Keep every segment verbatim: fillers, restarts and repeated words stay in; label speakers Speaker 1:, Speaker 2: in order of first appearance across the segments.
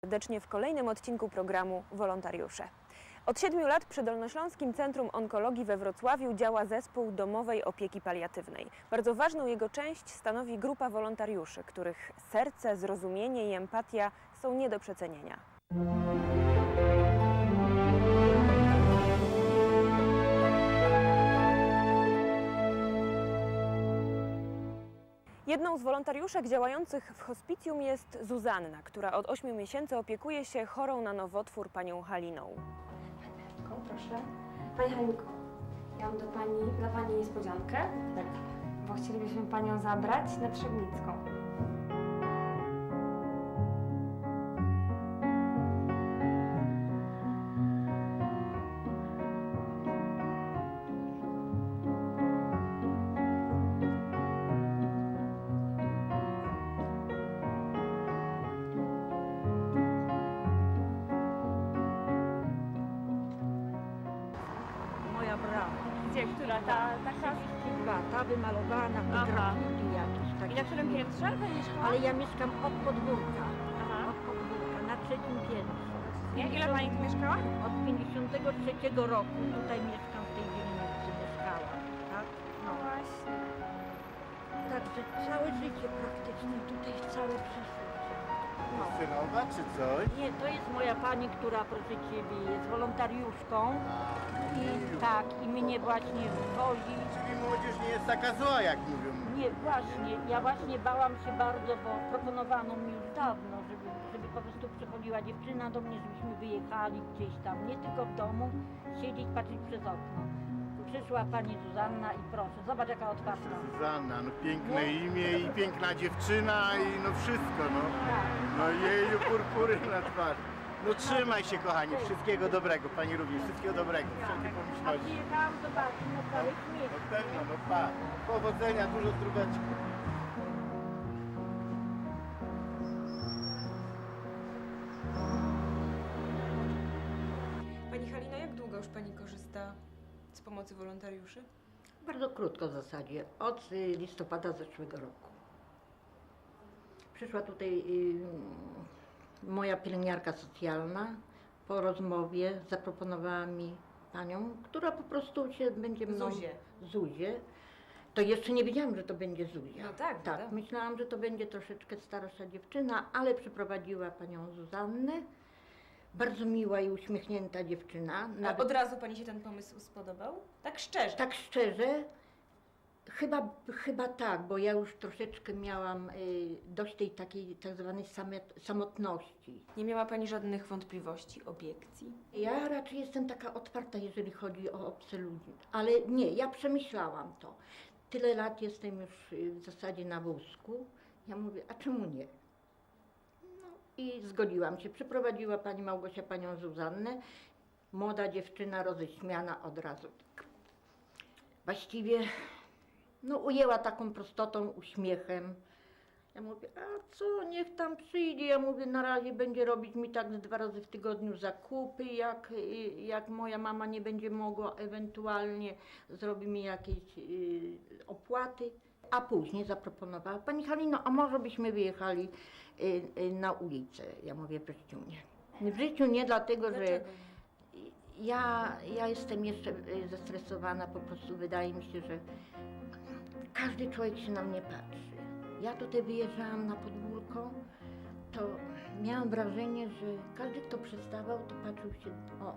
Speaker 1: serdecznie w kolejnym odcinku programu Wolontariusze. Od siedmiu lat przy Dolnośląskim Centrum Onkologii we Wrocławiu działa zespół domowej opieki paliatywnej. Bardzo ważną jego część stanowi grupa wolontariuszy, których serce, zrozumienie i empatia są nie do przecenienia. Jedną z wolontariuszek działających w hospicjum jest Zuzanna, która od ośmiu miesięcy opiekuje się chorą na nowotwór panią Haliną.
Speaker 2: Proszę. Pani Halinko, ja mam do pani, dla Pani niespodziankę,
Speaker 3: Tak.
Speaker 2: bo chcielibyśmy Panią zabrać na Trzebnicką.
Speaker 3: Moja brama.
Speaker 2: Gdzie, która? Ta, taka?
Speaker 3: Dwa, ta wymalowana,
Speaker 2: Aha.
Speaker 3: grafiki jakieś
Speaker 2: I
Speaker 3: takie.
Speaker 2: na którym piętrze Pani mieszkała?
Speaker 3: Ale ja mieszkam od podwórka,
Speaker 2: Aha.
Speaker 3: od podwórka, na trzecim piętrze.
Speaker 2: Nie? Ile Pani tu mieszkała?
Speaker 3: Od pięćdziesiątego trzeciego roku tutaj mieszkam, w tej dzielnicy mieszkałam, tak?
Speaker 2: No właśnie.
Speaker 3: Także całe życie praktycznie, tutaj całe przyszłość. No.
Speaker 4: Synowa czy coś?
Speaker 3: Nie, to jest moja pani, która, proszę Ciebie, jest wolontariuszką i tak, i mnie właśnie wozi.
Speaker 4: Czyli młodzież nie jest taka zła, jak mówią.
Speaker 3: Nie, właśnie, ja właśnie bałam się bardzo, bo proponowano mi już dawno, żeby, żeby po prostu przychodziła dziewczyna do mnie, żebyśmy wyjechali gdzieś tam, nie tylko w domu, siedzieć, patrzeć przez okno. Przyszła pani Zuzanna i proszę, zobacz jaka otwarta.
Speaker 4: Zuzanna, no piękne imię i piękna dziewczyna i no wszystko, no.
Speaker 3: Tak.
Speaker 4: No jeju, purpury na twarzy. No trzymaj się, kochani, wszystkiego dobrego, pani również, wszystkiego dobrego, wszelkie
Speaker 3: A
Speaker 4: pomyślności.
Speaker 3: przyjechałam zobaczyć na cały śmiech.
Speaker 4: No pewno, no pa, powodzenia, dużo zdróweczki.
Speaker 1: Pani Halina, jak długo już Pani korzysta z pomocy wolontariuszy?
Speaker 3: Bardzo krótko w zasadzie, od y, listopada zeszłego roku. Przyszła tutaj y, moja pielęgniarka socjalna, po rozmowie zaproponowała mi panią, która po prostu się będzie mną...
Speaker 1: Zuzię.
Speaker 3: Zuzię. To jeszcze nie wiedziałam, że to będzie Zuzia.
Speaker 1: No tak,
Speaker 3: tak.
Speaker 1: tak.
Speaker 3: Myślałam, że to będzie troszeczkę starsza dziewczyna, ale przyprowadziła panią Zuzannę. Bardzo miła i uśmiechnięta dziewczyna.
Speaker 1: A od razu Pani się ten pomysł spodobał? Tak szczerze?
Speaker 3: Tak szczerze, chyba, chyba tak, bo ja już troszeczkę miałam y, dość tej takiej tak zwanej samet, samotności.
Speaker 1: Nie miała Pani żadnych wątpliwości, obiekcji?
Speaker 3: Ja raczej jestem taka otwarta, jeżeli chodzi o obce ludzi, ale nie, ja przemyślałam to. Tyle lat jestem już y, w zasadzie na wózku, ja mówię, a czemu nie? No i zgodziłam się, przyprowadziła pani Małgosia panią Zuzannę, młoda dziewczyna roześmiana od razu. Właściwie no, ujęła taką prostotą, uśmiechem. Ja mówię, a co, niech tam przyjdzie. Ja mówię, na razie będzie robić mi tak dwa razy w tygodniu zakupy, jak, jak moja mama nie będzie mogła, ewentualnie zrobi mi jakieś y, opłaty. A później zaproponowała, pani Halino, a może byśmy wyjechali y, y, na ulicę? Ja mówię, w życiu nie. W życiu nie, dlatego że
Speaker 1: Dlaczego?
Speaker 3: ja, ja jestem jeszcze y, zestresowana, po prostu wydaje mi się, że każdy człowiek się na mnie patrzy. Ja tutaj wyjeżdżałam na podwórko, to miałam wrażenie, że każdy, kto przystawał, to patrzył się, o,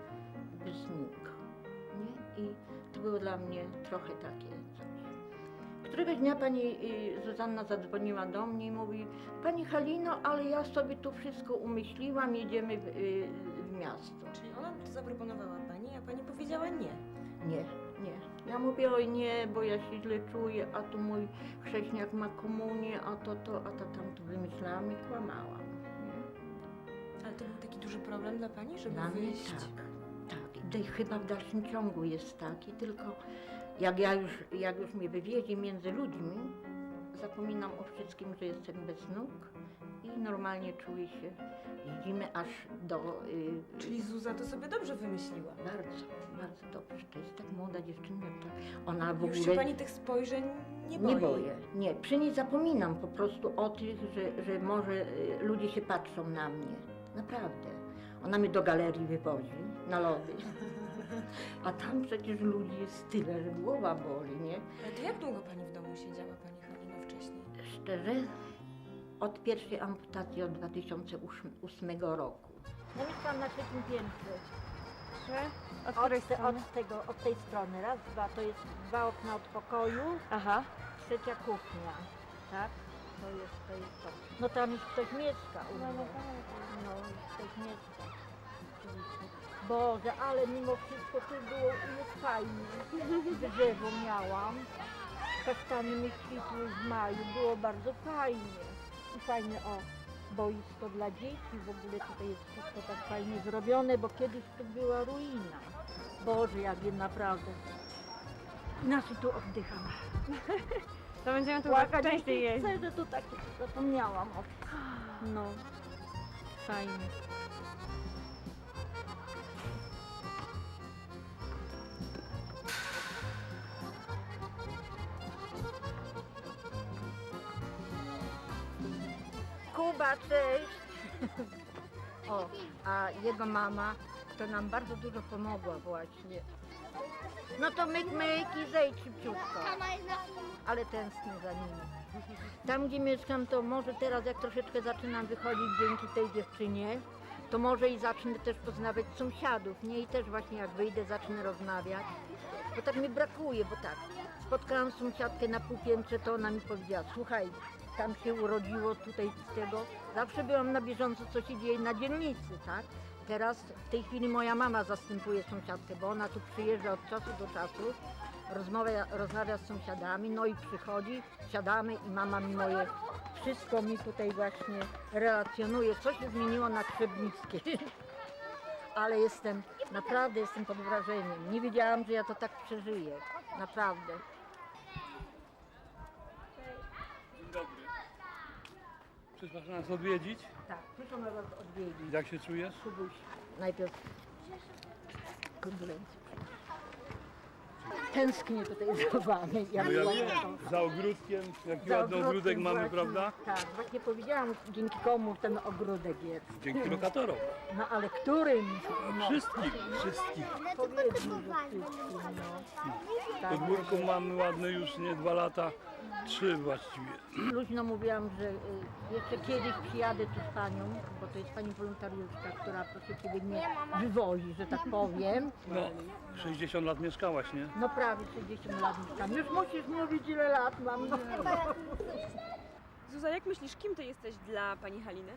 Speaker 3: bznik, nie? I to było dla mnie trochę takie coś. Któregoś dnia pani y, Zuzanna zadzwoniła do mnie i mówi, pani Halino, ale ja sobie tu wszystko umyśliłam, jedziemy w, y, w miasto.
Speaker 1: Czyli ona to zaproponowała Pani, a Pani powiedziała nie.
Speaker 3: Nie, nie. Ja mówię, oj nie, bo ja się źle czuję, a tu mój chrześniak ma komunię, a to, to, a to tamto wymyślałam i kłamałam. Nie?
Speaker 1: Ale to był taki duży problem dla Pani, żeby
Speaker 3: Dla mnie
Speaker 1: wyjść?
Speaker 3: tak, tak. I chyba w dalszym ciągu jest taki, tylko jak ja już, jak już mnie wywiezie między ludźmi, zapominam o wszystkim, że jestem bez nóg i normalnie czuję się, jeździmy aż do... Y,
Speaker 1: Czyli Zuza to sobie dobrze wymyśliła.
Speaker 3: Bardzo, bardzo dobrze. To jest tak młoda dziewczyna, tak. Ona w
Speaker 1: Już się
Speaker 3: ogóle...
Speaker 1: Pani tych spojrzeń nie
Speaker 3: Nie
Speaker 1: boi.
Speaker 3: boję, nie. Przy niej zapominam po prostu o tych, że, że może y, ludzie się patrzą na mnie. Naprawdę. Ona mnie do galerii wywozi na lody. A tam przecież ludzi jest tyle, że głowa boli, nie?
Speaker 1: Ale to jak długo pani w domu siedziała, pani Halino, wcześniej?
Speaker 3: Szczerze, od pierwszej amputacji od dwa tysiące ósmego roku.
Speaker 5: No mieszkam na trzecim piętrze.
Speaker 1: Trzy? Od
Speaker 5: Od,
Speaker 1: której
Speaker 5: te,
Speaker 1: strony?
Speaker 5: od, tego, od tej strony. Raz, dwa, to jest dwa okna od pokoju,
Speaker 1: Aha.
Speaker 5: trzecia kuchnia. Tak? To jest, to jest to. No tam już ktoś mieszka u mnie. No, już ktoś mieszka. Oczywiście. Boże, ale mimo wszystko tu było jest fajnie. Drzewo miałam. Kasztany mi kwitły w maju. Było bardzo fajnie. I fajne, o, boisko dla dzieci. W ogóle tutaj jest wszystko tak fajnie zrobione, bo kiedyś to była ruina. Boże, jak je naprawdę. Inaczej tu oddycham.
Speaker 1: To będziemy tu
Speaker 5: Płakać
Speaker 1: częściej
Speaker 5: nie
Speaker 1: jeździć.
Speaker 5: chcę, że tu tak zapomniałam o tym. No, fajnie. Kuba, cześć! O, a jego mama to nam bardzo dużo pomogła właśnie. No to myk, myk i zejdź szybciutko. Ale tęsknię za nimi. Tam, gdzie mieszkam, to może teraz, jak troszeczkę zaczynam wychodzić dzięki tej dziewczynie, to może i zacznę też poznawać sąsiadów, nie? I też właśnie jak wyjdę, zacznę rozmawiać. Bo tak mi brakuje, bo tak, spotkałam sąsiadkę na półpiętrze, to ona mi powiedziała, słuchaj, tam się urodziło tutaj z tego. Zawsze byłam na bieżąco, co się dzieje na dzielnicy, tak? Teraz w tej chwili moja mama zastępuje sąsiadkę, bo ona tu przyjeżdża od czasu do czasu, rozmawia, rozmawia z sąsiadami, no i przychodzi, siadamy i mama mi moje, wszystko mi tutaj właśnie relacjonuje, co się zmieniło na Krzebnickiej. Ale jestem, naprawdę jestem pod wrażeniem. Nie wiedziałam, że ja to tak przeżyję, naprawdę.
Speaker 6: Dzień dobry. Przyszłaś nas odwiedzić?
Speaker 3: Tak, przyszłam was odwiedzić.
Speaker 6: Jak się czujesz?
Speaker 3: Kubuś, najpierw kondolencje. Tęsknię tutaj za wami. Ja
Speaker 6: No ja
Speaker 3: byłam-
Speaker 6: wiem, za ogródkiem, jaki
Speaker 3: za
Speaker 6: ładny ogródek
Speaker 3: ogródkiem
Speaker 6: mamy,
Speaker 3: właśnie.
Speaker 6: prawda?
Speaker 3: Tak, właśnie powiedziałam, dzięki komu ten ogródek jest.
Speaker 6: Dzięki lokatorom.
Speaker 3: No ale którym? No,
Speaker 6: Wszystkim, wszystkim.
Speaker 3: powiedzmy, że wszystkim, no. Tak,
Speaker 6: Podwórko mamy ładne już nie dwa lata, trzy właściwie.
Speaker 3: luźno mówiłam, że y, jeszcze kiedyś przyjadę tu z panią, bo to jest pani wolontariuszka, która proszę ciebie mnie wywozi, że tak powiem.
Speaker 6: No, sześćdziesiąt lat mieszkałaś, nie?
Speaker 3: No prawie sześćdziesiąt lat mieszkam. Już musisz mówić, ile lat mam. No.
Speaker 1: Zuza, jak myślisz, kim ty jesteś dla pani Haliny?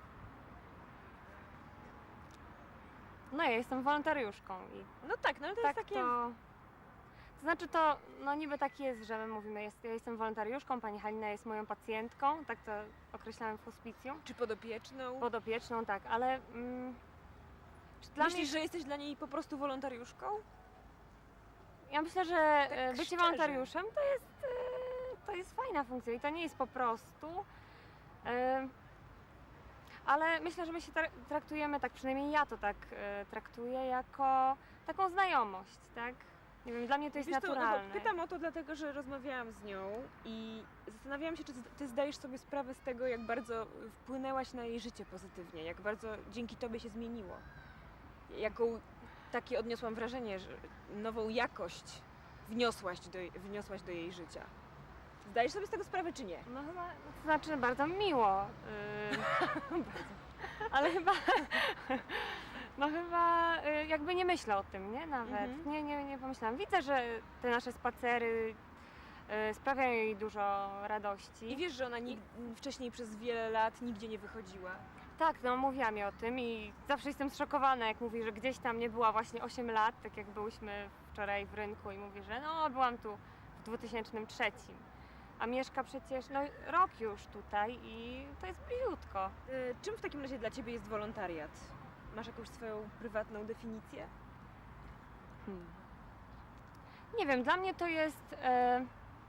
Speaker 7: No ja jestem wolontariuszką i
Speaker 1: No tak, no ale to
Speaker 7: tak
Speaker 1: jest takie...
Speaker 7: to... To znaczy to, no niby tak jest, że my mówimy, jest, ja jestem wolontariuszką, pani Halina jest moją pacjentką, tak to określałem w hospicjum,
Speaker 1: Czy podopieczną?
Speaker 7: podopieczną, tak, ale mm, czy dla
Speaker 1: Myślisz,
Speaker 7: mnie,
Speaker 1: że jesteś dla niej po prostu wolontariuszką?
Speaker 7: ja myślę, że
Speaker 1: tak
Speaker 7: e, bycie
Speaker 1: szczerze.
Speaker 7: wolontariuszem to jest, e, to jest fajna funkcja i to nie jest po prostu, e, ale myślę, że my się tra- traktujemy, tak przynajmniej ja to tak e, traktuję, jako taką znajomość, tak? Nie wiem, dla mnie to jest
Speaker 1: Wiesz co, no bo
Speaker 7: naturalne.
Speaker 1: pytam o to dlatego, że rozmawiałam z nią i zastanawiałam się, czy ty zdajesz sobie sprawę z tego, jak bardzo wpłynęłaś na jej życie pozytywnie, jak bardzo dzięki tobie się zmieniło. Jaką takie odniosłam wrażenie, że nową jakość wniosłaś do, wniosłaś do jej życia. Zdajesz sobie z tego sprawę, czy nie?
Speaker 7: No chyba, to znaczy bardzo miło. Yy, ale chyba, no chyba y, jakby nie myślę o tym, nie? Nawet.
Speaker 1: Mhm.
Speaker 7: Nie, nie, nie pomyślałam. Widzę, że te nasze spacery y, sprawiają jej dużo radości.
Speaker 1: I wiesz, że ona nig- wcześniej przez wiele lat nigdzie nie wychodziła.
Speaker 7: Tak, no mówiła mi o tym i zawsze jestem zszokowana, jak mówi, że gdzieś tam nie była właśnie osiem lat, tak jak byłyśmy wczoraj w rynku i mówi, że no byłam tu w dwa tysiące trzecim. A mieszka przecież no, rok już tutaj i to jest bliziutko.
Speaker 1: Y, czym w takim razie dla ciebie jest wolontariat? Masz jakąś swoją prywatną definicję?
Speaker 7: Hmm. Nie wiem, dla mnie to jest e,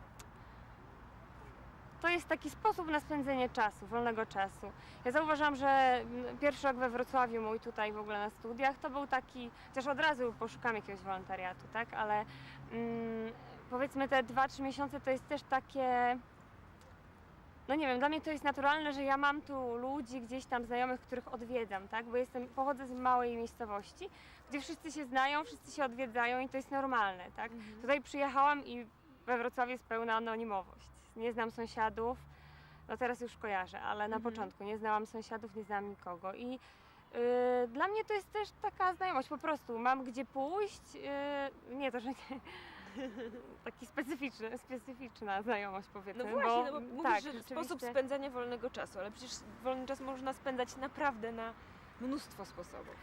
Speaker 7: to jest taki sposób na spędzenie czasu, wolnego czasu. Ja zauważyłam, że mm, pierwszy rok we Wrocławiu mój tutaj w ogóle na studiach to był taki, chociaż od razu poszukam jakiegoś wolontariatu, tak, ale mm, powiedzmy te dwa trzy miesiące to jest też takie, no nie wiem, dla mnie to jest naturalne, że ja mam tu ludzi, gdzieś tam znajomych, których odwiedzam, tak? Bo jestem, pochodzę z małej miejscowości, gdzie wszyscy się znają, wszyscy się odwiedzają i to jest normalne, tak?
Speaker 1: Mhm.
Speaker 7: Tutaj przyjechałam i we Wrocławiu jest pełna anonimowość. Nie znam sąsiadów, no teraz już kojarzę, ale na
Speaker 1: Mhm.
Speaker 7: początku nie znałam sąsiadów, nie znałam nikogo i yy, dla mnie to jest też taka znajomość, po prostu mam gdzie pójść, yy, nie to, że nie, taki specyficzny, specyficzna znajomość
Speaker 1: No
Speaker 7: powiedzmy.
Speaker 1: właśnie,
Speaker 7: bo,
Speaker 1: no bo mówisz,
Speaker 7: tak,
Speaker 1: że
Speaker 7: rzeczywiście-
Speaker 1: sposób spędzania wolnego czasu, ale przecież wolny czas można spędzać naprawdę na mnóstwo sposobów.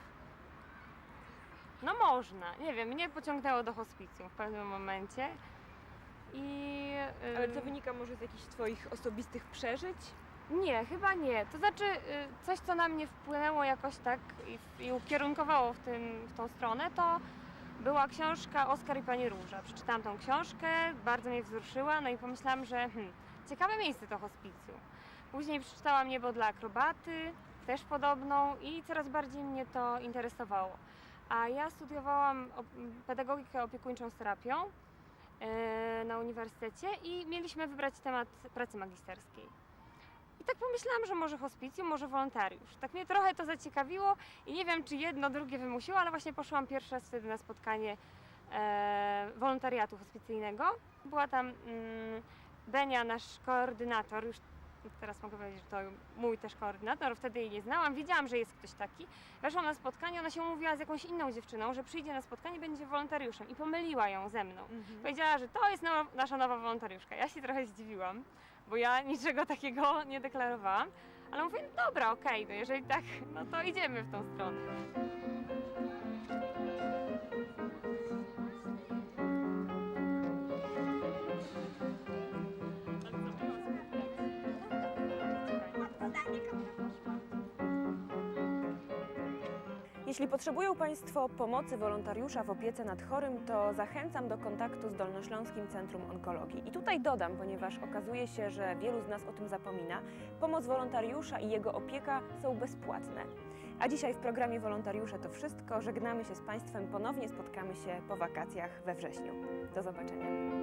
Speaker 7: No można, nie wiem, mnie pociągnęło do hospicjum w pewnym momencie i... yy,
Speaker 1: Ale to wynika może z jakichś twoich osobistych przeżyć?
Speaker 7: Nie, chyba nie. To znaczy y, coś, co na mnie wpłynęło jakoś tak i, i ukierunkowało w, tym, w tą stronę, to była książka Oskar i Pani Róża. Przeczytałam tą książkę, bardzo mnie wzruszyła, no i pomyślałam, że hmm, ciekawe miejsce to hospicjum. Później przeczytałam Niebo dla akrobaty, też podobną i coraz bardziej mnie to interesowało. A ja studiowałam op- pedagogikę opiekuńczą z terapią y, na uniwersytecie i mieliśmy wybrać temat pracy magisterskiej. I tak pomyślałam, że może hospicjum, może wolontariusz. Tak mnie trochę to zaciekawiło i nie wiem, czy jedno, drugie wymusiło, ale właśnie poszłam pierwszy raz wtedy na spotkanie e, wolontariatu hospicyjnego. Była tam mm, Benia, nasz koordynator, już teraz mogę powiedzieć, że to mój też koordynator, wtedy jej nie znałam, wiedziałam, że jest ktoś taki. Weszłam na spotkanie, ona się umówiła z jakąś inną dziewczyną, że przyjdzie na spotkanie, będzie wolontariuszem i pomyliła ją ze mną. Powiedziała, że to jest nowa, nasza nowa wolontariuszka. Ja się trochę zdziwiłam, bo ja niczego takiego nie deklarowałam, ale mówię, no dobra, okej, no jeżeli tak, no to idziemy w tą stronę.
Speaker 1: Jeśli potrzebują Państwo pomocy wolontariusza w opiece nad chorym, to zachęcam do kontaktu z Dolnośląskim Centrum Onkologii. I tutaj dodam, ponieważ okazuje się, że wielu z nas o tym zapomina, pomoc wolontariusza i jego opieka są bezpłatne. A dzisiaj w programie Wolontariusze to wszystko. Żegnamy się z Państwem, ponownie spotkamy się po wakacjach we wrześniu. Do zobaczenia.